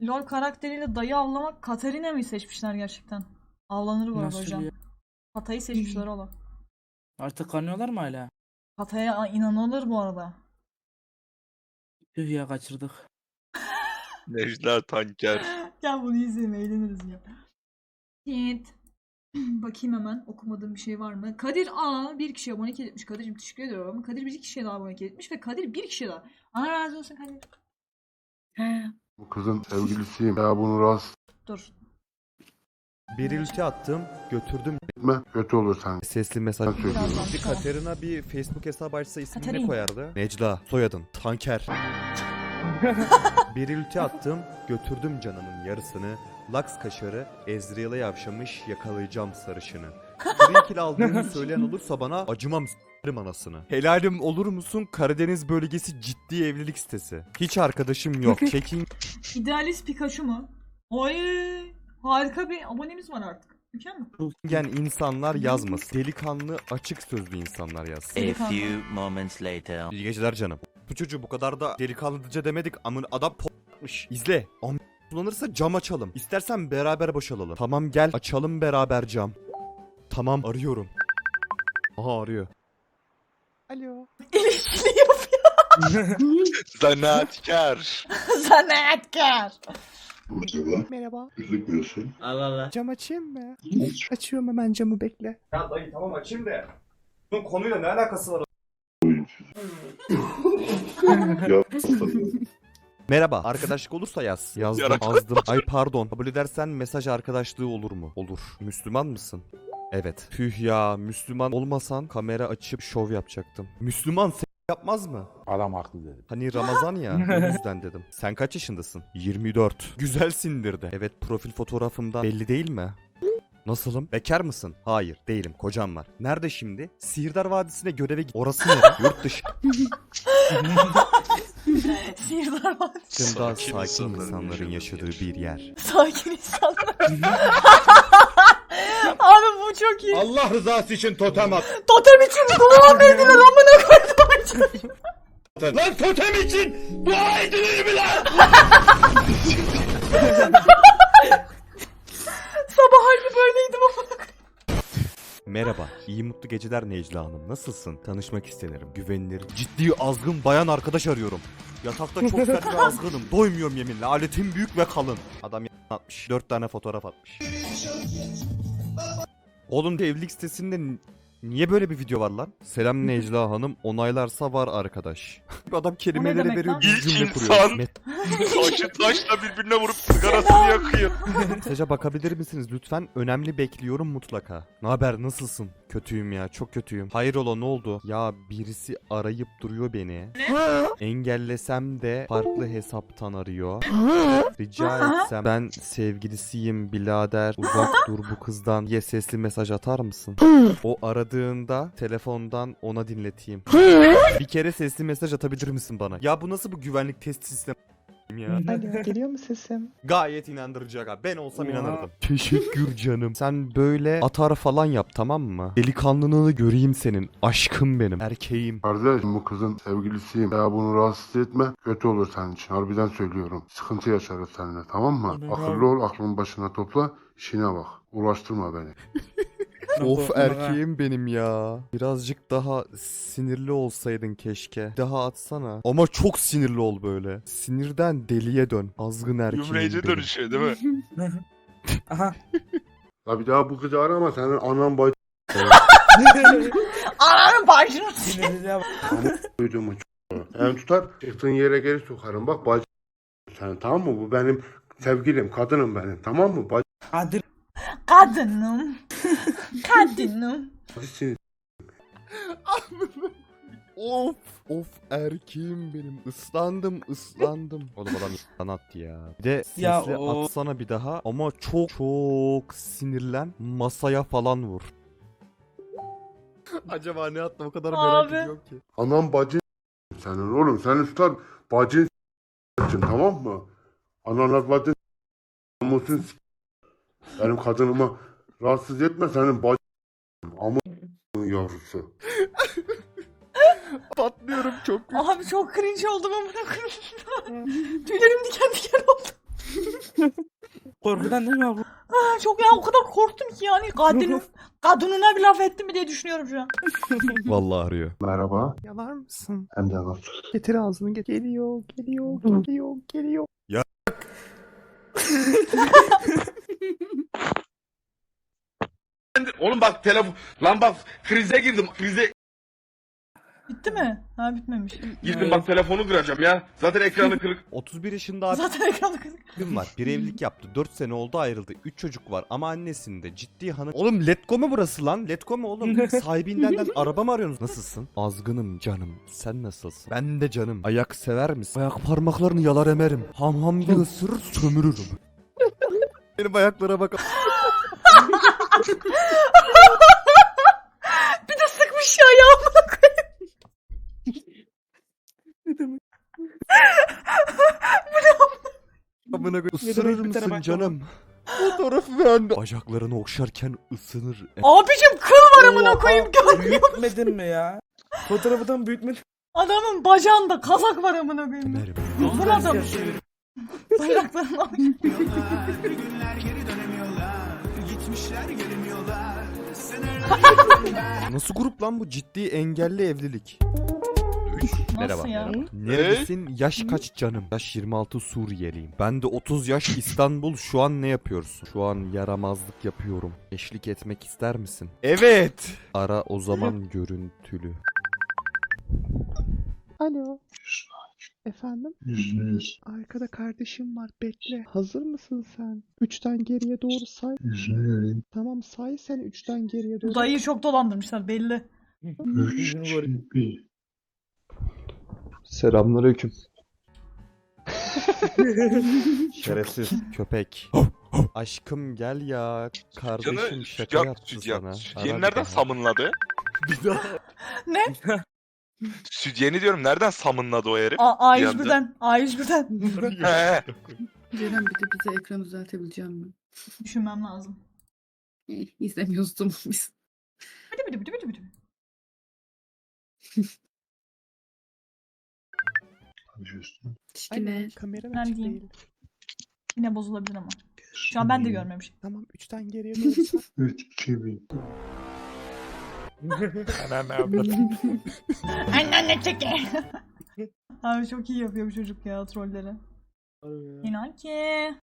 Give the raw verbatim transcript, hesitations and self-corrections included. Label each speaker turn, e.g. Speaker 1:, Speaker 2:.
Speaker 1: LoL karakteriyle dayı avlamak Katarina mı seçmişler gerçekten? Avlanır bu arada
Speaker 2: Nasıl
Speaker 1: hocam.
Speaker 2: ya?
Speaker 1: Patayı seçmişler oğlum.
Speaker 2: Artık kanıyorlar mı hala?
Speaker 1: Pataya inanılır bu arada.
Speaker 2: Tüh ya, kaçırdık.
Speaker 3: Necla Tanker.
Speaker 1: Gel bunu izleyelim, eğleniriz ya. Evet. Bakayım hemen okumadığım bir şey var mı? Kadir A bir kişiye abonelik etmiş. Kadir'cim teşekkür ediyorum. Kadir bir kişiye daha abonelik etmiş ve Kadir bir kişiye daha. Allah razı olsun Kadir.
Speaker 4: Bu kızın sevgilisiyim. Ya bunu rahatsız
Speaker 1: Dur.
Speaker 5: Bir ülke attım, götürdüm.
Speaker 4: etme. Kötü olur sen.
Speaker 5: Sesli mesaj.
Speaker 4: Ben söylüyorum.
Speaker 1: Birazdan
Speaker 5: Bir
Speaker 1: tamam.
Speaker 5: Katerina bir Facebook hesabı açsa ismini ne
Speaker 1: Katerina.
Speaker 5: koyardı? Necla, soyadın, Tanker. Bir ülke attım, götürdüm canımın yarısını. Laks kaşarı, Ezreal'e yavşamış, yakalayacağım sarışını. Trinkil aldığını söyleyen olursa bana acımam s**rim anasını. Helalim olur musun? Karadeniz bölgesi ciddi evlilik sitesi. Hiç arkadaşım yok. Çekin
Speaker 1: İdealist Pikachu mu? Oy! Harika bir abonemiz var artık. Mükemmel.
Speaker 5: gen insanlar yazmasın. Delikanlı, açık sözlü insanlar yazsın.
Speaker 6: A few moments later.
Speaker 5: İyi geceler canım. Bu çocuğu bu kadar da delikanlıca demedik. Amın adam p***mış. İzle. Am kullanırsa cam açalım. İstersen beraber boşalalım. Tamam gel açalım beraber cam. Tamam arıyorum. Aha arıyor. Alo.
Speaker 1: İlişkili yapıyor.
Speaker 3: Zanaatkar.
Speaker 1: Zanaatkar.
Speaker 4: Merhaba.
Speaker 5: Merhaba.
Speaker 4: Gözükmüyorsun.
Speaker 6: Allah Allah.
Speaker 5: Cam açayım mı? Açıyorum hemen camı bekle. Ya dayı tamam açayım da. Bunun konuyla ne alakası var?
Speaker 4: Ya.
Speaker 5: Merhaba. Arkadaşlık olursa yaz. Yazdım
Speaker 3: Yarak-
Speaker 5: azdım. Ay pardon. Kabul edersen mesaj arkadaşlığı olur mu? Olur. Müslüman mısın? Evet. Tüh ya. Müslüman olmasan kamera açıp şov yapacaktım. Müslüman s- yapmaz mı?
Speaker 7: Adam haklı dedi.
Speaker 5: Hani Ramazan ya. O yüzden dedim. Sen kaç yaşındasın? yirmi dört. Güzelsindir de. Evet profil fotoğrafımdan belli değil mi? Nasılım? Bekar mısın? Hayır değilim. Kocam var. Nerede şimdi? Sihirdar Vadisi'ne göreve git. Orası nere? Yurt dışı.
Speaker 1: Sihirdar var.
Speaker 5: Daha
Speaker 3: Sakin
Speaker 5: sakin
Speaker 3: insanların
Speaker 5: insanların
Speaker 3: yaşadığı
Speaker 5: yaşadığı bir yer.
Speaker 1: Sakin insanlar. Abi bu çok iyi.
Speaker 7: Allah rızası için totem at.
Speaker 1: Totem için dua verdiler amına koydum.
Speaker 7: Lan totem için dua edilir mi lan?
Speaker 1: Sabah halde böyleydim amına koydum.
Speaker 5: Merhaba, iyi mutlu geceler Necla Hanım. Nasılsın? Tanışmak isterim. Güvenilir, ciddi azgın bayan arkadaş arıyorum. Yatakta çok sert ve azgınım. Doymuyorum yeminle. Aletim büyük ve kalın. Adam atmış. Dört tane fotoğraf atmış. Oğlum evlilik sitesinde n- niye böyle bir video var lan? Selam Necla Hanım. Onaylarsa var arkadaş. Adam kelimeleri
Speaker 1: demek
Speaker 5: veriyor,
Speaker 1: lan?
Speaker 5: bir
Speaker 3: İlk
Speaker 5: cümle kuruyor.
Speaker 3: insan.
Speaker 5: Met-
Speaker 3: Taşı taşla birbirine vurup sigarasını yakıyor.
Speaker 5: Mesaja bakabilir misiniz lütfen? Önemli bekliyorum mutlaka. Ne haber nasılsın? Kötüyüm ya çok kötüyüm. Hayrola ne oldu? Ya birisi arayıp duruyor beni. Engellesem de farklı hesaptan arıyor. Rica etsem ben sevgilisiyim birader uzak dur bu kızdan diye sesli mesaj atar mısın? O aradığında telefondan ona dinleteyim. Bir kere sesli mesaj atabilir misin bana? Ya bu nasıl bu güvenlik test sistemi ya?
Speaker 8: Alo, geliyor mu sesim?
Speaker 5: Gayet inandırıcı aga. Ben olsam
Speaker 2: Ya.
Speaker 5: inanırdım. Teşekkür canım. Sen böyle atar falan yap tamam mı? Delikanlılığını göreyim senin. Aşkım benim. Erkeğim.
Speaker 4: Kardeş bu kızın sevgilisiyim. Ya bunu rahatsız etme. Kötü olur senin için. Harbiden söylüyorum. Sıkıntı yaşarız seninle tamam mı?
Speaker 2: Anladım.
Speaker 4: Akıllı ol, aklını başına topla. İşine bak. Uğraştırma beni.
Speaker 5: Of erkeğim benim ya. Birazcık daha sinirli olsaydın keşke. Daha atsana. Ama çok sinirli ol böyle. Sinirden deliye dön. Azgın erkeğim
Speaker 3: Gümreyce
Speaker 5: benim.
Speaker 3: dönüşüyor değil mi?
Speaker 2: Aha.
Speaker 4: Ya bir daha bu kızı arama. Senin anan bacı
Speaker 1: Ananın başını.
Speaker 2: Sinirliğe bak.
Speaker 4: duyduğumu yani tutar. Çıktığın yere geri sokarım. Bak bacı sen tamam mı? Bu benim sevgilim. Kadınım benim. Tamam mı? Bacı
Speaker 2: Hadi.
Speaker 1: Kadınım. Kadınım.
Speaker 4: seni
Speaker 5: Of of erkeğim benim. Islandım ıslandım. Oğlum adam sanat ya. Bir de sesli
Speaker 2: Ya o-
Speaker 5: atsana bir daha. Ama çok çok sinirlen. Masaya falan vur. Acaba ne attı o kadar merak
Speaker 1: Abi.
Speaker 5: ediyorum ki.
Speaker 4: anan bacı senin oğlum. Senin tutar bacın tamam mı? Ananas bacın namusun benim kadınıma rahatsız etme senin bacın ama yavrusu.
Speaker 5: Patlıyorum çok.
Speaker 1: Abi çok cringe oldum amına koyayım. Tüylerim diken diken oldu.
Speaker 2: Korkudan değil mi abla?
Speaker 1: Ah, çok ya o kadar korktum ki yani kadının kadınına bir laf etti mi diye düşünüyorum şu an.
Speaker 5: Vallahi arıyor.
Speaker 4: Merhaba.
Speaker 5: Yalar mısın?
Speaker 4: Hem de nasıl?
Speaker 5: Getir ağzını get. Geliyor, geliyor, geliyor, geliyor. Ya
Speaker 7: Oğlum bak telefon. Lan bak krize girdim. Krize
Speaker 1: Bitti mi? Ha bitmemiş.
Speaker 7: girdim bak telefonu kıracağım ya. Zaten ekranı kırık.
Speaker 5: otuz bir yaşında abi
Speaker 1: Zaten ekranı kızık.
Speaker 5: abim var. Bir evlilik yaptı. dört sene oldu ayrıldı. üç çocuk var ama annesinde ciddi hanım. Oğlum Letgo mu burası lan? Letgo mu oğlum? Sahibinden de araba mı arıyorsunuz? Nasılsın? Azgınım canım. Sen nasılsın? Ben de canım. Ayak sever misin? Ayak parmaklarını yalar emerim. Ham ham bir ısırır sömürürüm. Benim ayaklara bak.
Speaker 1: Bir de sıkmış ya ayağımı.
Speaker 5: Amına koyayım.
Speaker 2: Ne
Speaker 5: Isırır
Speaker 2: demek bir tane
Speaker 5: mısın
Speaker 2: bak
Speaker 5: canım? Fotoğrafı beğendi. Bacaklarını okşarken ısınır.
Speaker 1: Abicim kıl var amına koyayım görmüyor.
Speaker 2: Büyütmedin mi ya? Fotoğrafından büyütmedin.
Speaker 1: Adamın bacağında kazak var amına koyayım.
Speaker 5: Emerim.
Speaker 1: Bu adam. Bayraklarını alıyor.
Speaker 5: Nasıl grup lan bu? Ciddi engelli evlilik. Merhaba.
Speaker 1: ya?
Speaker 5: merhaba. Neredesin? Yaş kaç canım? Yaş yirmi altı Suriyeliyim. Ben de otuz yaş İstanbul. Şu an ne yapıyorsun? Şu an yaramazlık yapıyorum. Eşlik etmek ister misin? Evet. Ara o zaman görüntülü.
Speaker 8: Alo. Efendim?
Speaker 4: Yüzde yüz.
Speaker 8: Arkada kardeşim var, bekle. Hazır mısın sen? Üçten geriye doğru say.
Speaker 4: Yüzünü göreyim.
Speaker 8: Tamam, say sen üçten geriye doğru.
Speaker 1: Bu dayıyı çok dolandırmışlar belli.
Speaker 4: Üç, iki, bir.
Speaker 8: Selamünaleyküm.
Speaker 5: Şerefsiz köpek. Aşkım gel ya. Kardeşim
Speaker 3: Canı
Speaker 5: şaka
Speaker 3: sütyen,
Speaker 5: yaptı
Speaker 3: sütyen.
Speaker 5: sana.
Speaker 3: Sütyeni
Speaker 5: Ara bir
Speaker 3: nereden
Speaker 5: daha.
Speaker 3: samınladı?
Speaker 5: Bir daha.
Speaker 1: Ne?
Speaker 3: Sütyeni diyorum nereden samınladı o herif?
Speaker 1: A
Speaker 3: Bir anda.
Speaker 1: A yüz birden. A yüz birden.
Speaker 3: He.
Speaker 9: Ceren bir de bize ekranı düzeltebileceğim mi?
Speaker 1: Düşünmem lazım.
Speaker 9: Eh, İzlemiyoruz tamam biz.
Speaker 1: Bıdı bıdı bıdı bıdı bıdı.
Speaker 9: Şikine.
Speaker 8: Kamera
Speaker 1: Ben
Speaker 8: açık
Speaker 1: diyeyim.
Speaker 8: değil.
Speaker 1: Yine bozulabilir ama. Şu an ben de görmemişim.
Speaker 8: Tamam, üçten geriye doğru say.
Speaker 4: Üç, iki, bir.
Speaker 1: Anne çeke. Abi çok iyi yapıyor bu çocuk ya trolleri. İnan ki.